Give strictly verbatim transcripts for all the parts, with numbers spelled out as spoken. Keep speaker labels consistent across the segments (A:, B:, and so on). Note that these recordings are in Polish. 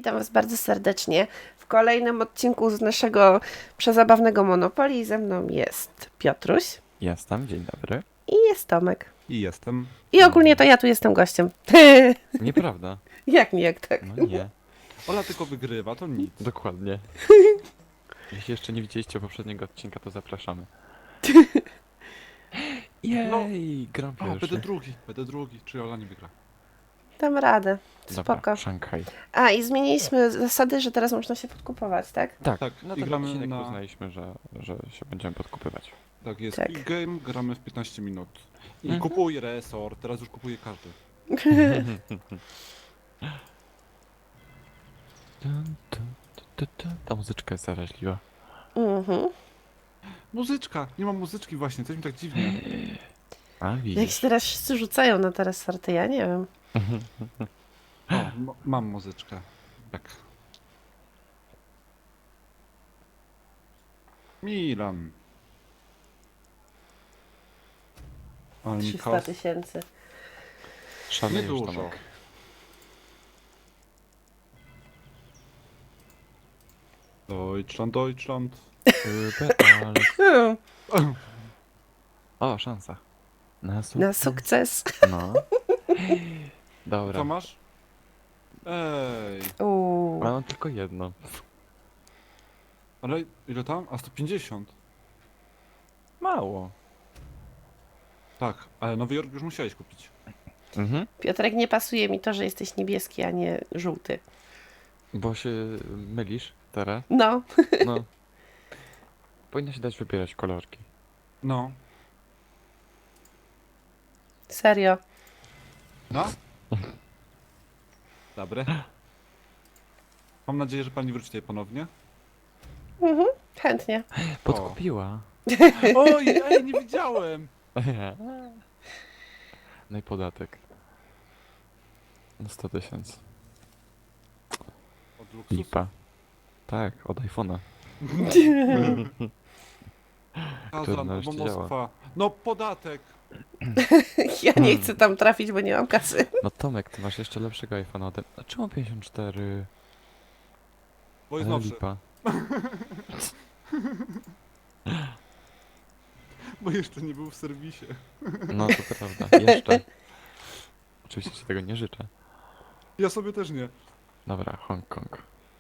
A: witam Was bardzo serdecznie w kolejnym odcinku z naszego przezabawnego Monopoly. Ze mną jest Piotruś
B: Jestem, dzień dobry.
A: i jest Tomek.
C: I jestem.
A: I ogólnie to ja tu jestem gościem.
B: Nieprawda.
A: Jak nie, jak tak.
B: No nie,
C: Ola tylko wygrywa, to nic.
B: dokładnie. Jeśli jeszcze nie widzieliście poprzedniego odcinka, to zapraszamy. Jej, gram
C: O, będę
B: pierwszy.
C: drugi, będę drugi. Czy Ola nie wygra?
A: Dam radę. Spoko.
B: Dobra, Szanghaj.
A: A, i zmieniliśmy zasady, że teraz można się podkupować, tak?
B: Tak,
C: Tak,
B: no
C: i
B: ten
C: gramy
B: odcinek
C: na-
B: uznaliśmy, że, że się będziemy podkupywać.
C: Tak jest.
A: Tak.
C: Quick game, gramy w piętnaście minut. I
B: Mhm.
C: kupuj resort, teraz już kupuje każdy.
B: Dun, dun, dun, dun, dun. Ta muzyczka jest zaraźliwa.
A: Mhm.
C: Muzyczka! Nie ma muzyczki właśnie, coś mi tak dziwnie.
B: A,
A: Jak
B: widzisz.
A: się teraz wszyscy rzucają na teraz sorty, ja nie wiem.
C: O, m- mam muzyczkę. Tak. Milan. Ale mi
A: trzysta
C: kos...
A: tysięcy.
B: Szalejesz,
C: Niedużo.
B: Tomek.
C: Deutschland, Deutschland.
B: Über alles.
A: Hmm,
B: O, szansa. Na sukces.
A: na sukces.
B: No. Dobra.
C: Co masz? Ej,
A: Uuu.
B: Ale mam tylko jedno.
C: ale ile tam? A sto pięćdziesiąt.
B: Mało.
C: Tak, ale Nowy Jork już musiałeś kupić.
B: Mhm.
A: Piotrek, nie pasuje mi to, że jesteś niebieski, a nie żółty.
B: Bo się mylisz teraz.
A: No.
B: No. Powinno się dać wybierać kolorki.
C: No.
A: Serio.
C: No? Dobre. Mam nadzieję, że pani wróci tutaj ponownie.
A: Mhm. Chętnie.
B: Podkupiła.
C: Oj, ej, nie widziałem!
B: No i podatek. No sto tysięcy.
C: Od luksusu.
B: Lipa. Tak, od iPhone'a.
C: Kazan,
B: nareszcie
C: albo
B: działa.
C: Moskwa. No, podatek!
A: Ja nie chcę tam trafić, bo nie mam kasy.
B: No Tomek, ty masz jeszcze lepszego iPhone'a ode mnie. A czemu pięćdziesiąt cztery?
C: Bo jest
B: Ale
C: nowszy.
B: lipa.
C: Bo jeszcze nie był w serwisie.
B: No to prawda, jeszcze. Oczywiście ci tego nie życzę.
C: Ja sobie też nie.
B: Dobra, Hongkong.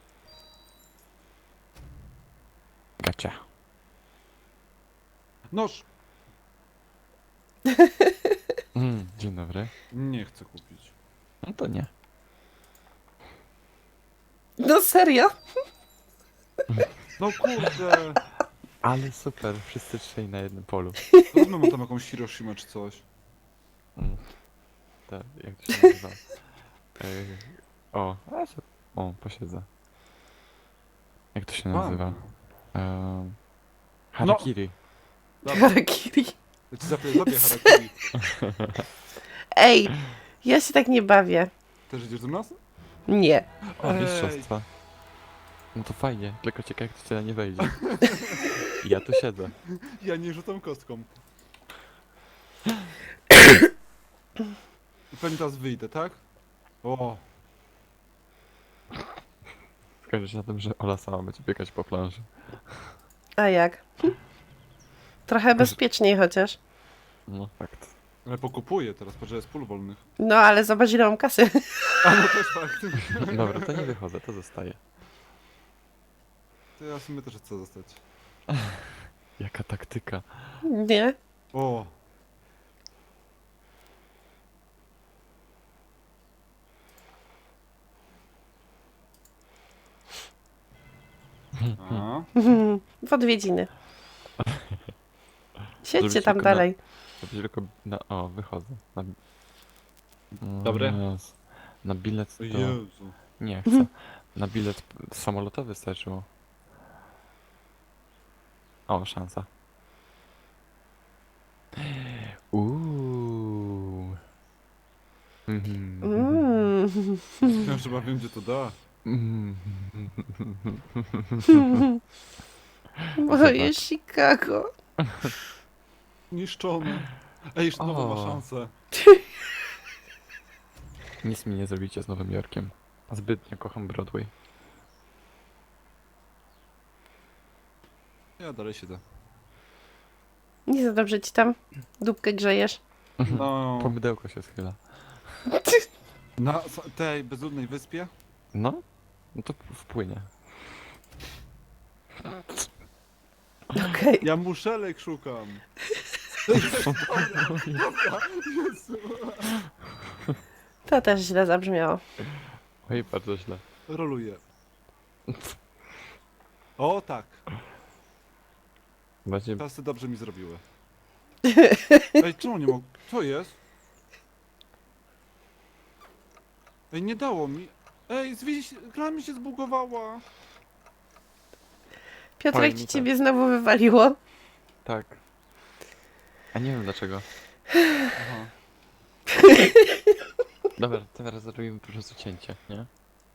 B: Gacia.
C: Noż!
B: Mm, dzień dobry.
C: Nie chcę kupić.
B: No to nie.
A: No serio?
C: No kurde!
B: Ale super, wszyscy trzej na jednym polu.
C: Trudno mam tam jakąś Hiroshima czy coś.
B: Mm. Tak, jak to się nazywa? Ej, o, a się, o, posiedzę. Jak to się
C: Mam.
B: nazywa? Um, harakiri.
C: Dobra,
A: Harakiri.
C: ja ci zapię, zabiję harakiri.
A: Ej, ja się tak nie bawię.
C: Też idziesz do nas?
A: Nie.
B: O,
C: Ej.
B: mistrzostwa. No to fajnie, tylko ciekawe jak to cię nie wejdzie. Ja tu siedzę.
C: Ja nie rzucam kostką. I pewnie teraz wyjdę, tak? O,
B: Skończy się na tym, że Ola sama będzie biegać po planży.
A: A jak? Trochę bezpieczniej chociaż.
B: No fakt.
C: ale pokupuję teraz, patrz, że jest pól wolnych.
A: No ale zobacz, ile mam kasy.
C: A no też fakt.
B: Dobra, to nie wychodzę, to zostaje.
C: To ja w sumie też chcę zostać.
B: Jaka taktyka.
A: Nie?
C: O, a,
A: W odwiedziny. Siedźcie
B: Zrobić
A: tam
B: tylko na-
A: dalej.
B: To będzie tylko na... O, wychodzę. Na...
C: Dobre.
B: Jezu. Na bilet
C: o
B: to...
C: Jezu.
B: Nie chcę. Na bilet p- samolotowy starczyło. O, szansa. Uuu. Mhm.
A: Mm.
C: Ja chyba wiem, gdzie to da.
B: Mhm.
A: Moje Chicago.
C: Niszczone. Ej, jeszcze nowa ma
B: O.
C: szansę.
B: Nic mi nie zrobicie z Nowym Jorkiem. Zbytnio kocham Broadway.
C: Ja dalej siedzę.
A: Nie za dobrze ci tam dupkę grzejesz.
C: No,
B: Po mydełko się schyla.
C: na s- tej bezludnej wyspie?
B: No? No to wpłynie.
A: Okej.
C: Ja muszelek szukam. Jezu.
A: To też źle zabrzmiało.
B: Oj, bardzo źle.
C: Roluję. O tak,
B: Będzie...
C: czasy dobrze mi zrobiły. Ej, czemu nie mogę? Co jest? Ej, nie dało mi. Ej, zwieś, gra mi się zbugowała.
A: Piotrek,
B: Powiem
A: ci
B: mi tak.
A: ciebie znowu wywaliło.
B: Tak. A nie wiem dlaczego.
C: Aha.
B: Dobra, teraz zrobimy po prostu cięcie, nie?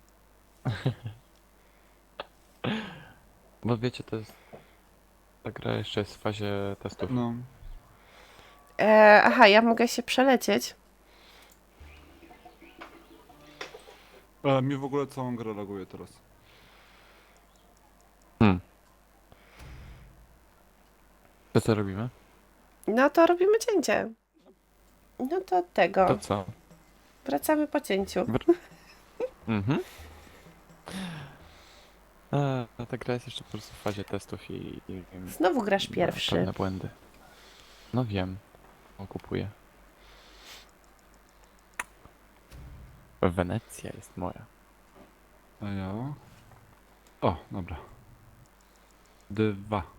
B: Bo wiecie, to jest... Ta gra jeszcze jest w fazie testów.
C: No.
A: E, aha, ja mogę się przelecieć.
C: Ale mi w ogóle całą grę laguje teraz.
B: Hmm. To co robimy?
A: No to robimy cięcie. No to tego.
B: To co?
A: Wracamy po cięciu.
B: Mhm. A, a ta gra jest jeszcze po prostu w fazie testów i... i, i
A: Znowu grasz
B: ma
A: pierwszy.
B: Pewne błędy. No wiem. O, kupuję. Wenecja jest moja.
C: A ja? O, dobra. Dwa.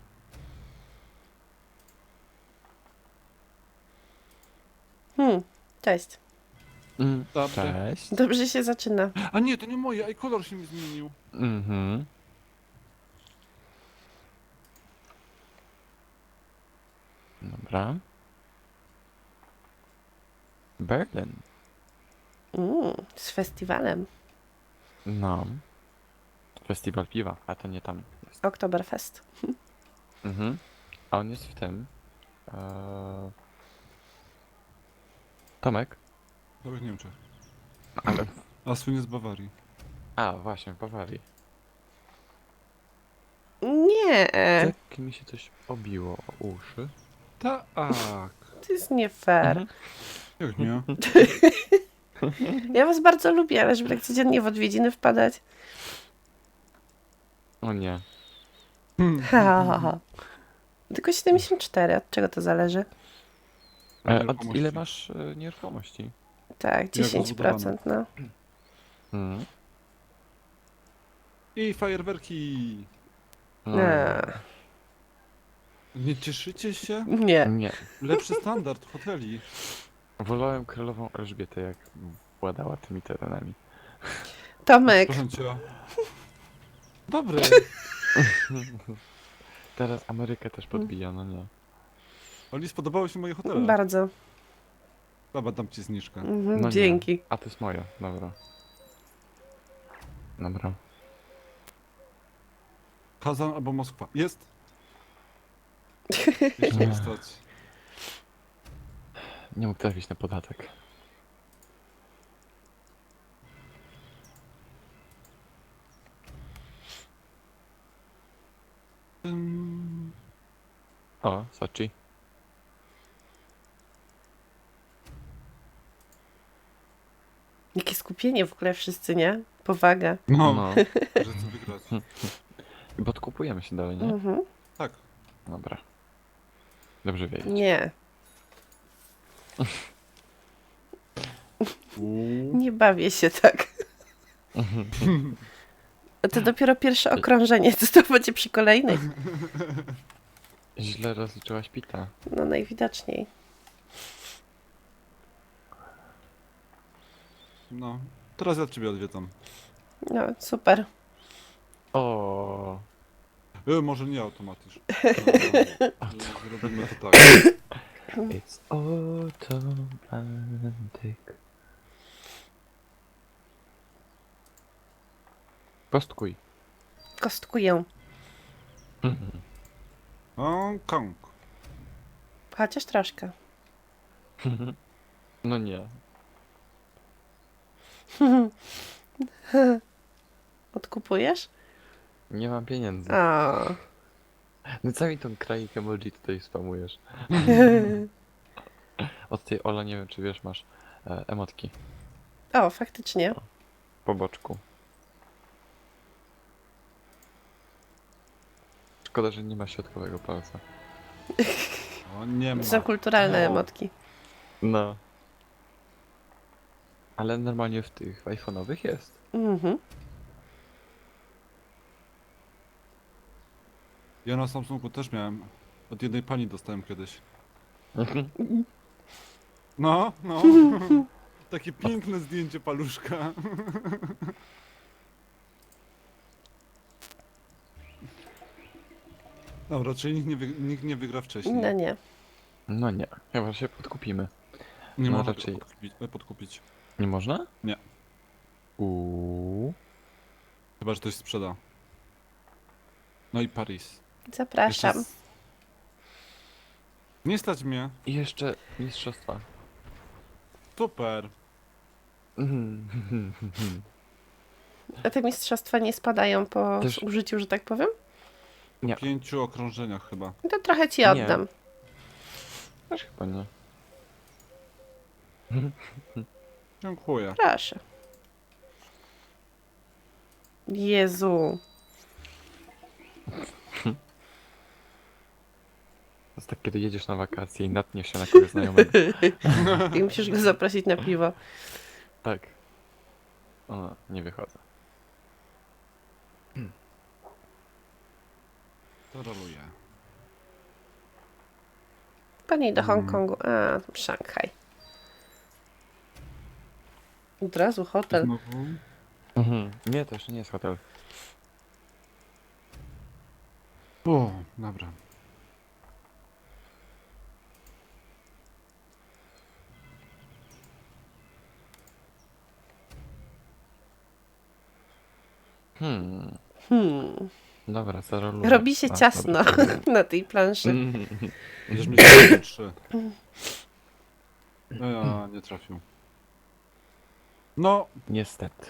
A: Hmm, cześć.
B: Mm.
C: Dobrze.
B: Cześć.
A: Dobrze się zaczyna.
C: A nie, to nie moje, ej, kolor się mi zmienił.
B: Mhm. Dobra. Berlin.
A: Mm, z festiwalem.
B: No. Festiwal piwa, a to nie tam jest.
A: Oktoberfest.
B: Mhm. A on jest w tym. Eee... Tomek?
C: Nawet nie wiem czy.
B: Ale...
C: A słynie z Bawarii.
B: A, właśnie, w Bawarii.
A: Nie,
B: Tak mi się coś obiło o uszy.
C: Tak.
A: to jest nie fair.
B: Mhm.
C: Jak nie?
A: Ja was bardzo lubię, ale żeby tak codziennie w odwiedziny wpadać.
B: O nie.
A: Ha, ha, ha. Tylko siedemdziesiąt cztery, od czego to zależy?
B: E, od
C: Nieruchomości.
B: ile masz e, nieruchomości?
A: Tak, dziesięć procent, no.
B: Mhm.
C: I fajerwerki.
B: No,
A: Nie.
C: Nie cieszycie się?
A: Nie.
B: nie.
C: Lepszy standard hoteli.
B: Wolałem królową Elżbietę, jak władała tymi terenami.
A: Tomek,
C: Proszę cię. Dobry.
B: Teraz Amerykę też podbija, no nie.
C: Oli, spodobały się moje hotele.
A: bardzo.
C: Dobra, dam ci zniżkę.
A: Mhm,
B: No nie.
A: dzięki.
B: A to jest moje, dobra. Dobra.
C: Kazan albo Moskwa. Jest. Jeszcze
B: Nie.
C: nie stać.
B: Nie mógł trafić na podatek.
C: Ym,
B: O, Sochi.
A: Jakie skupienie w ogóle wszyscy, nie? Powaga.
C: No,
B: No.
C: że chcę wygrać.
B: I podkupujemy się dalej, nie?
A: Mhm.
C: Tak.
B: Dobra. Dobrze wiedzieć.
A: Nie,
C: Uuu.
A: nie bawię się tak. To dopiero pierwsze okrążenie, co to będzie przy kolejnych?
B: Źle rozliczyłaś pita.
A: No najwidoczniej.
C: No. Teraz ja ciebie odwiedzam.
A: No, super.
B: O.
C: E, może nie automatycznie. No, zrobimy to tak.
B: It's automatic. Postkuj.
A: Kostkuję.
C: Hong Kong.
A: Chociaż troszkę.
B: No nie.
A: Odkupujesz?
B: Nie mam pieniędzy.
A: O.
B: No co mi tą kraik emoji tutaj spamujesz? Od tej Ola nie wiem czy wiesz, masz e, emotki
A: O, faktycznie.
B: po boczku. Szkoda, że nie ma środkowego palca.
C: O, nie ma.
A: To są kulturalne
C: O.
A: emotki.
B: No. Ale normalnie w tych iPhone'owych jest.
A: Mhm.
C: Ja na Samsungu też miałem. Od jednej pani dostałem kiedyś. No, no. Takie piękne zdjęcie paluszka. Dobra, czyli nikt nie, wy, nikt nie wygra wcześniej.
A: No nie.
B: No nie, chyba się podkupimy.
C: Nie
B: no
C: można
B: raczej-
C: tego podkupić, e, podkupić.
B: Nie można?
C: Nie.
B: Uuu.
C: Chyba, że ktoś sprzeda. No i Paris.
A: Zapraszam.
C: Jeszcze z- Nie stać mnie.
B: I jeszcze mistrzostwa.
C: Super.
A: A te mistrzostwa nie spadają po
B: Też-
A: użyciu, że tak powiem?
B: Nie.
C: W pięciu okrążeniach chyba.
A: To trochę ci
B: Nie.
A: oddam.
B: Też chyba nie.
C: Dziękuję.
A: Proszę. Jezu.
B: To jest tak, kiedy jedziesz na wakacje i natniesz się na kogoś znajomego.
A: I musisz go zaprosić na piwo.
B: Tak. O, nie wychodzę.
C: To roluję.
A: Pani do
C: Mm.
A: Hongkongu. A, Szanghaj. Od razu hotel.
C: Znowu.
B: Mhm. Nie, to jeszcze nie jest hotel.
C: O, dobra.
B: Hmm.
A: Hmm.
B: Dobra, zaroluję.
A: Robi się
B: A,
A: ciasno
B: dobra.
A: na tej planszy.
B: Mhm.
C: Będziesz mieć trzy. No ja nie trafił. No,
B: Niestety.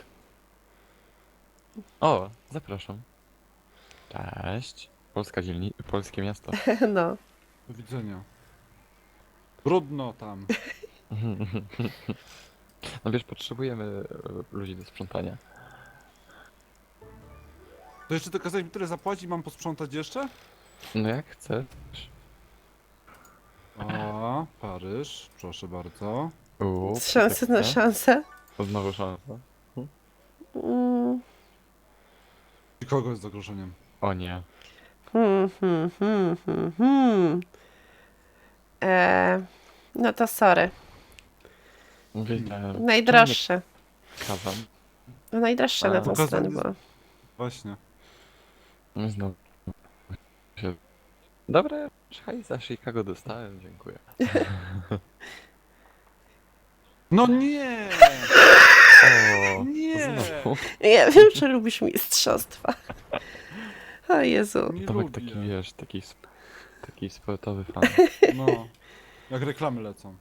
B: O, zapraszam. Cześć. Polska dzielni... Polskie miasto.
A: No.
C: do widzenia. Brudno tam.
B: No wiesz, potrzebujemy e, ludzi do sprzątania.
C: To jeszcze ty kazałeś mi tyle zapłacić, mam posprzątać jeszcze?
B: No jak chcesz.
C: O, Paryż, proszę bardzo.
B: Uuu,
A: Szansę na
B: proteccja.
A: szansę.
B: To znowu szansa.
A: Mm.
C: I kogo jest zagrożeniem?
B: O nie.
A: Hmm, hmm, hmm, hmm, hmm. E, no to sorry.
B: Wiedziałem.
A: Najdroższe.
B: Kazam.
A: No najdroższe
B: A.
A: na tą
C: Pokazanie
A: stronę
C: z-
A: było.
C: Właśnie.
B: No i znowu. się- Dobra, hej, za Chicago dostałem, dziękuję.
C: No nie!
B: O,
C: Nie!
B: znowu.
A: Ja wiem, że lubisz mistrzostwa. O Jezu.
C: Nie
B: Tomek
C: lubię.
B: taki, wiesz, taki, sp- taki sportowy fan.
C: No. Jak reklamy lecą.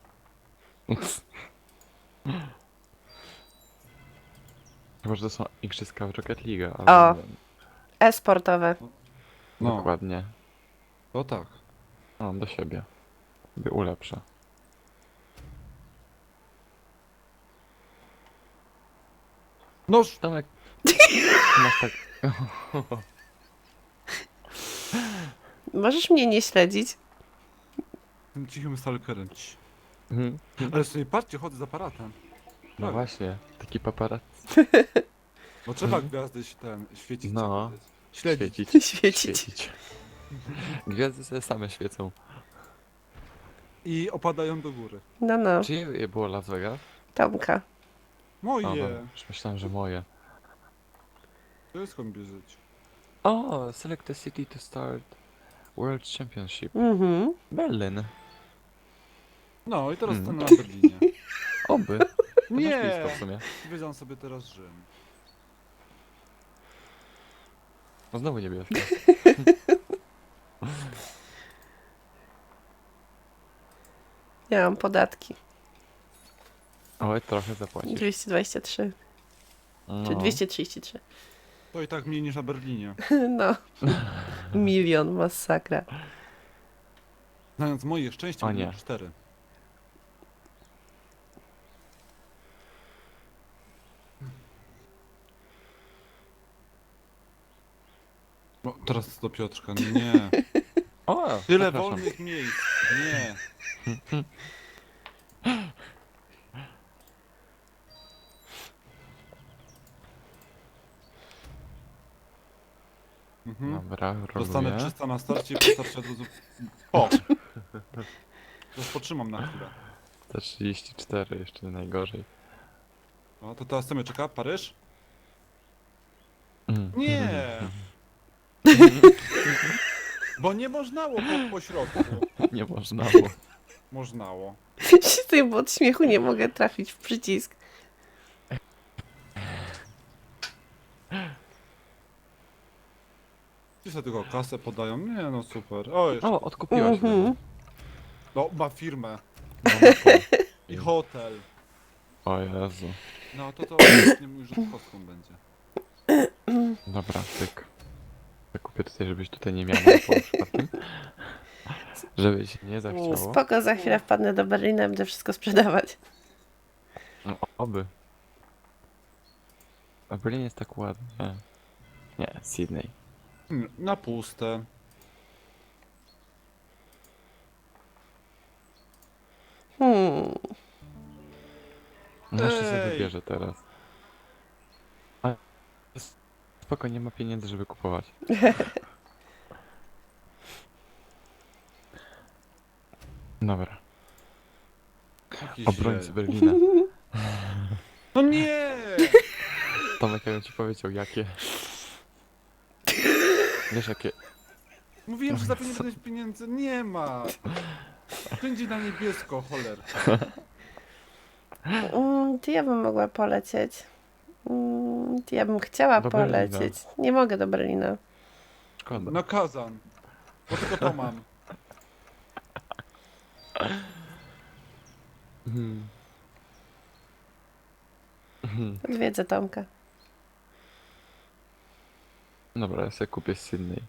B: Chyba, że to są igrzyska w Rocket League, ale
A: O.
B: nie wiem.
A: E-sportowe.
C: No,
B: Dokładnie.
C: to tak.
B: Mam do siebie. By ulepszę.
C: Noż!
B: Tomek, masz tak...
A: Możesz mnie nie śledzić?
C: Tym cichym stalkerem. Ci.
B: Mhm.
C: Ale sobie patrzcie, chodzę z aparatem.
B: No
C: Tak.
B: właśnie, taki paparazzi.
C: Bo trzeba gwiazdy się ten świecić.
B: No.
C: Śledzić.
B: Świecić.
A: Świecić.
B: Gwiazdy sobie same świecą.
C: I opadają do góry.
A: No, no.
B: Czyje je było Las Vegas?
A: Tomka.
C: Moje!
B: O, dobra, już myślałem, że moje.
C: To jest skąd bierzeć.
B: O, select a city to start World Championship.
A: Mhm.
B: Berlin.
C: No i teraz
B: Hmm.
C: ten na Berlinie.
B: Oby. To masz
C: Nie!
B: blisko w sumie.
C: Wiedziałem sobie teraz Rzym.
B: No znowu niebieskie.
A: Ja mam podatki.
B: Oj, trochę zapłacisz.
A: dwieście dwadzieścia trzy. Czy
B: No.
A: dwieście trzydzieści trzy.
C: To i tak mniej niż na Berlinie.
A: No. Milion, masakra.
C: Znając moje szczęście,
B: O
C: będę
B: nie.
C: miał cztery. No, teraz do Piotrka, nie.
B: O,
C: Tyle
B: zapraszam.
C: wolnych miejsc, nie. Mhm.
B: Dobra,
C: Dostanę
B: roluję.
C: trzysta na starcie i postarczy od razu... O! Rozpotrzymam na chwilę.
B: Te trzydzieści cztery jeszcze najgorzej.
C: No to teraz co mnie czeka? Paryż?
B: Mm.
C: Nie! Bo nie możnało po, po środku.
B: Nie można było.
C: Możnało.
A: Się bo od śmiechu nie mogę trafić w przycisk.
C: Ci sobie tylko kasę podają. Nie no super. O, jeszcze.
B: O, odkupiła się.
A: Mhm.
C: No, ma firmę.
B: Monopol.
C: I hotel.
B: O Jezu.
C: No to to nie mój rzut kostką będzie.
B: Dobra, tyk. Zakupię tutaj, żebyś tutaj nie miał monopolu przypadkiem. Żeby się nie zachciało.
A: Spoko, za chwilę wpadnę do Berlina i będę wszystko sprzedawać.
B: No, oby. A Berlin jest tak ładny. Nie, Sydney.
C: Hmm, Na puste.
A: Hmm.
B: No jeszcze sobie
C: Ej.
B: wybierze teraz. A, spoko, nie ma pieniędzy, żeby kupować. Dobra.
C: Jakiś
B: Obrońcy
C: źle.
B: Berlina.
C: No nie!
B: Tomek, ja bym ci powiedział, jakie. Wiesz, jakie.
C: Mówiłem, że za pieniądze pieniędzy nie ma. Wszędzie na niebiesko, cholera.
A: Mm, Ty ja bym mogła polecieć. Mm, Ty ja bym chciała
B: Do Berlina.
A: polecieć. Nie mogę do Berlina.
B: Szkoda.
C: Na Kazan. Bo tylko to mam.
B: Mhm. Mhm.
A: Odwiedzę Tomka.
B: Dobra, ja sobie kupię z Sydney.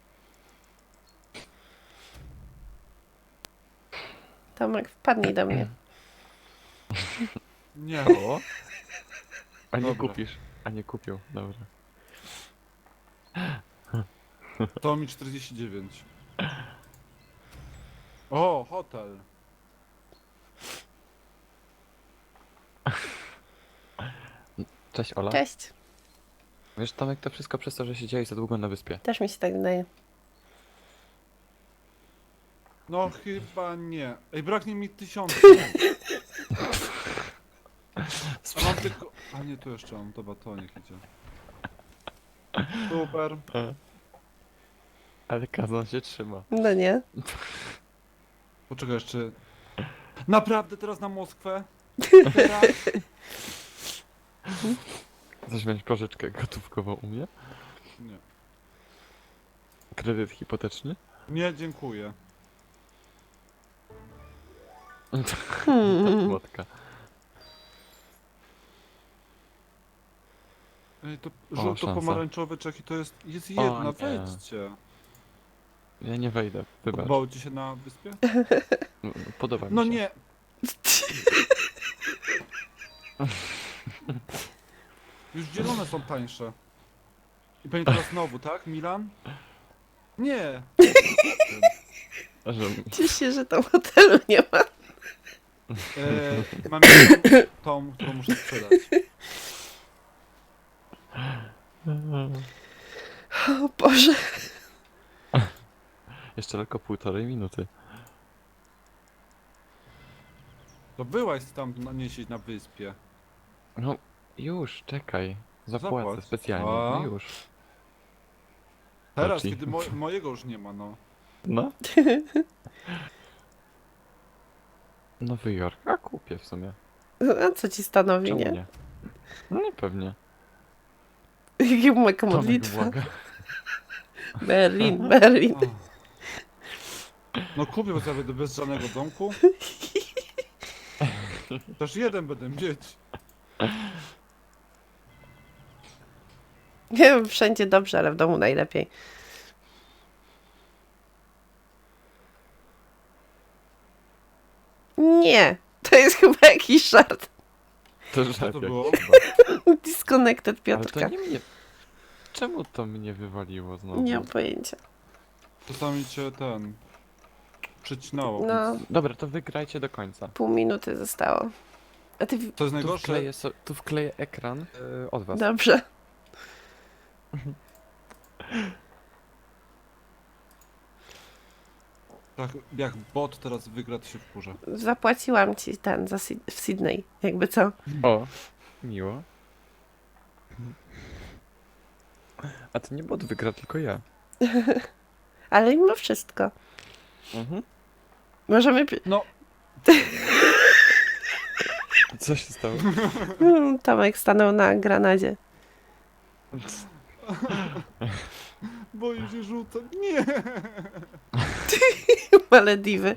A: Tomek, wpadnij do mnie.
C: Nie.
B: O? A nie
C: Dobra.
B: kupisz. A nie kupił, dobra.
C: To mi czterdzieści dziewięć. O, hotel.
B: Cześć Ola.
A: Cześć.
B: Wiesz, Tomek, to wszystko przez to, że siedziałeś za długo na wyspie.
A: Też mi się tak wydaje.
C: No chyba nie. Ej, braknie mi tysiąca. A mam tylko... A nie, tu jeszcze mam. Dobra, to niech idzie. Super.
B: Ale Kazan się trzyma.
A: No nie.
C: Poczekaj jeszcze. Naprawdę teraz na Moskwę? Teraz?
B: Chcesz wziąć pożyczkę gotówkową u mnie?
C: Nie.
B: Kredyt hipoteczny?
C: Nie, dziękuję.
A: Hmm.
B: Młotka.
C: Ej, to
B: O,
C: żółto-pomarańczowy czeki to jest... Jest
B: O,
C: jedna,
B: nie.
C: wejdźcie.
B: Ja nie wejdę, wybacz.
C: Podobało ci się na wyspie?
B: M- Podoba mi
C: No
B: się.
C: nie. Już zielone są tańsze. I pewnie teraz znowu, tak? Milan? Nie.
B: Że...
A: Ciesz się, że tam hotelu nie ma.
C: E, mam jedną, tą, którą muszę sprzedać.
A: O Boże.
B: Jeszcze tylko półtorej minuty.
C: To byłaś tam na, nie siedzieć na wyspie.
B: No, już, czekaj. Zapłacę
C: Zapłać.
B: specjalnie,
C: A.
B: no już.
C: Teraz,
B: Chodź.
C: kiedy mo mojego już nie ma, no.
B: No. Nowy Jork, a kupię w sumie.
A: A co ci stanowi,
B: Czemu
A: nie?
B: nie? No nie pewnie.
A: Jaka
B: Tomek
A: modlitwa.
B: błaga.
A: Berlin, Berlin.
C: O. No kupię sobie do bez żadnego domku. Też jeden będę mieć.
A: Nie wiem, wszędzie dobrze, ale w domu najlepiej. Nie, to jest chyba jakiś żart.
B: To
C: Co
B: żart
C: to
B: jakiś
C: było?
B: chyba.
A: Disconnected
B: Ale
A: Piotrka.
B: to nie mnie... Czemu to mnie wywaliło znowu?
A: Nie mam pojęcia.
C: Czasami cię ten... Przycinało.
A: No,
C: więc-
B: Dobra, to wygrajcie do końca.
A: pół minuty zostało. A ty... w-
C: Co jest
B: Tu
C: najgorsze?
B: wkleję, so, tu wkleję ekran yy, od was.
A: Dobrze.
C: Tak, jak bot teraz wygra, to się wkurza.
A: Zapłaciłam ci ten za Syd- w Sydney. Jakby co?
B: O, miło. A to nie bot wygra, tylko ja.
A: Ale mimo wszystko.
B: Mhm.
A: Możemy... pi-
C: No,
B: Co się stało?
A: Mm, Tomek stanął na granadzie.
C: boję się rzucać. Nie!
A: Malediwy.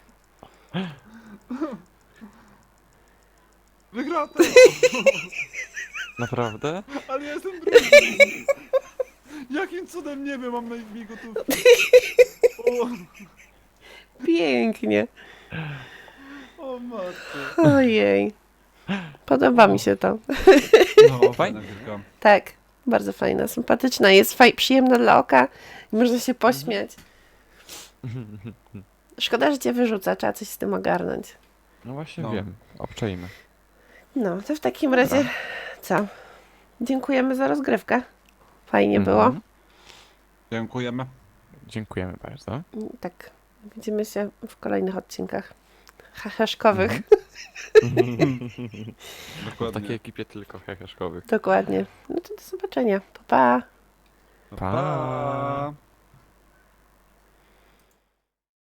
C: Wygra to!
B: Naprawdę?
C: Ale ja jestem drugi! Jakim cudem nie wiem, mam na imię gotówki. O,
A: Pięknie.
C: o matko.
A: Ojej. Podoba mi się to.
C: No,
B: fajna
C: gierka.
A: Tak. Bardzo fajna, sympatyczna. Jest faj przyjemna dla oka. I można się pośmiać. Szkoda, że cię wyrzuca. Trzeba coś z tym ogarnąć.
B: No właśnie
C: No.
B: wiem. Obczajmy.
A: No, to w takim razie co? Dziękujemy za rozgrywkę. Fajnie było.
B: Mhm.
C: Dziękujemy.
B: Dziękujemy bardzo.
A: Tak. Widzimy się w kolejnych odcinkach heheszkowych.
B: Mhm. W
C: Dokładnie.
B: takiej ekipie tylko heheszkowych.
A: Dokładnie. No to do zobaczenia. Pa, pa.
B: Pa!